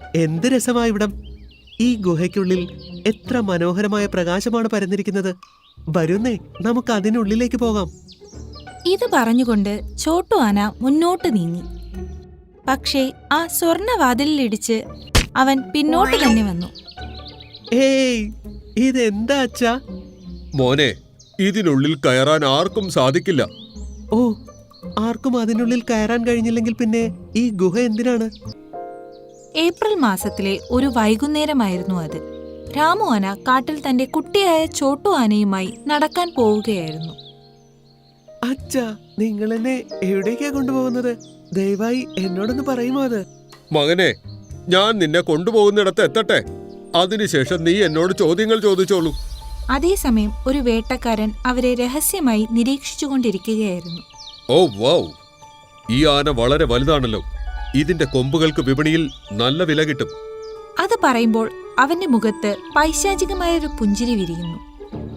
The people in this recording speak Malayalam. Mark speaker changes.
Speaker 1: എന്ത് രസമായ ഇവിടം! ഈ ഗുഹയ്ക്കുള്ളിൽ എത്ര മനോഹരമായ പ്രകാശമാണ് പരന്നിരിക്കുന്നത്. വരുന്നേ, നമുക്ക് അതിനുള്ളിലേക്ക് പോകാം.
Speaker 2: ഇത് പറഞ്ഞുകൊണ്ട് ചോട്ടു ആന മുന്നോട്ട് നീങ്ങി. പക്ഷേ ആ സ്വർണവാതിലിടിച്ച് അവൻ പിന്നോട്ട് തന്നെ വന്നു.
Speaker 1: ഏയ്, ഇതെന്താ അച്ഛാ?
Speaker 3: മോനെ, ഇതിനുള്ളിൽ കയറാൻ ആർക്കും സാധിക്കില്ല.
Speaker 1: ഓ, ആർക്കും അതിനുള്ളിൽ കയറാൻ കഴിഞ്ഞില്ലെങ്കിൽ പിന്നെ ഈ ഗുഹ എന്തിനാണ്?
Speaker 2: ഏപ്രിൽ മാസത്തിലെ ഒരു വൈകുന്നേരമായിരുന്നു അത്. രാമു ആന കാട്ടിൽ തന്റെ കുട്ടിയായ ചോട്ടു ആനയുമായി നടക്കാൻ പോവുകയായിരുന്നു.
Speaker 1: അച്ഛാ, നിങ്ങൾ എന്നെ എവിടേക്കാ കൊണ്ടുപോകുന്നത്? ദയവായി എന്നോടൊന്ന് പറയുമോ അത്?
Speaker 3: മകനെ, ഞാൻ നിന്നെ കൊണ്ടുപോകുന്നിടത്ത് എത്തട്ടെ. അതിനുശേഷം നീ എന്നോട് ചോദ്യങ്ങൾ ചോദിച്ചോളൂ.
Speaker 2: അതേസമയം ഒരു വേട്ടക്കാരൻ അവരെ രഹസ്യമായി നിരീക്ഷിച്ചുകൊണ്ടിരിക്കുകയായിരുന്നു.
Speaker 3: ഓ വൗ, ഈ ആന വളരെ വലുതാണല്ലോ. ഇതിന്റെ കൊമ്പുകൾക്ക് വിപണിയിൽ നല്ല വില കിട്ടും.
Speaker 2: അത് പറയുമ്പോൾ അവന്റെ മുഖത്ത് പൈശാചികമായൊരു പുഞ്ചിരി വിരിയുന്നു.